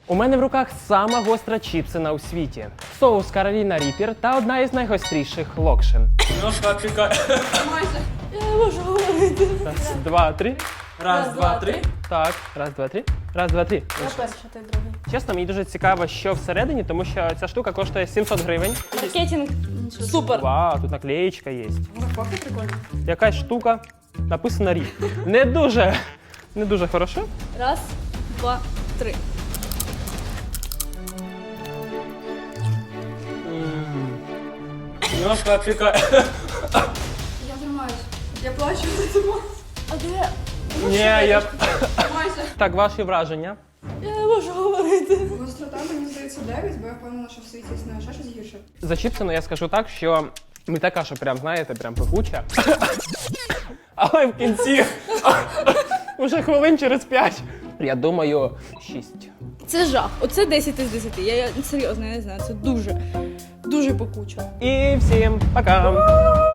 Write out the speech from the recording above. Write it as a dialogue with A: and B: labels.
A: У мене в руках сама гостра чіпсина у світі. Соус Кароліна Ріппер та одна із найгостріших локшин.
B: Немножко опікає.
C: Майже. Я не можу говорити.
A: Раз, два, три.
B: Раз, два, три.
A: Так, раз, два, три. Раз, два, три.
C: Я перша, ти другий.
A: Чесно, мені дуже цікаво, що всередині, тому що ця штука коштує 700 гривень.
C: Маркетинг. Супер.
A: Вау, тут наклеєчка є.
C: Упаковка прикольна.
A: Якась штука, написано рік. Не дуже хорошо.
C: Раз, два, три.
B: Немножко опікає.
C: Я тримаюсь. Я плачу за тебе. А де?
A: Ні, я...
C: Майже.
A: Так, ваші враження?
C: Я не можу говорити.
D: Гострота, мені здається, 9, бо я впевнена, що в світі існує ще щось гірше.
A: За чіпсину я скажу так, що не така, що прям, знаєте, прям пекуча. Але в кінці, уже хвилин через 5, я думаю, 6.
C: Це жах. Оце 10 із 10. Я серйозно, я не знаю. Це дуже, дуже пекуче.
A: І всім пока!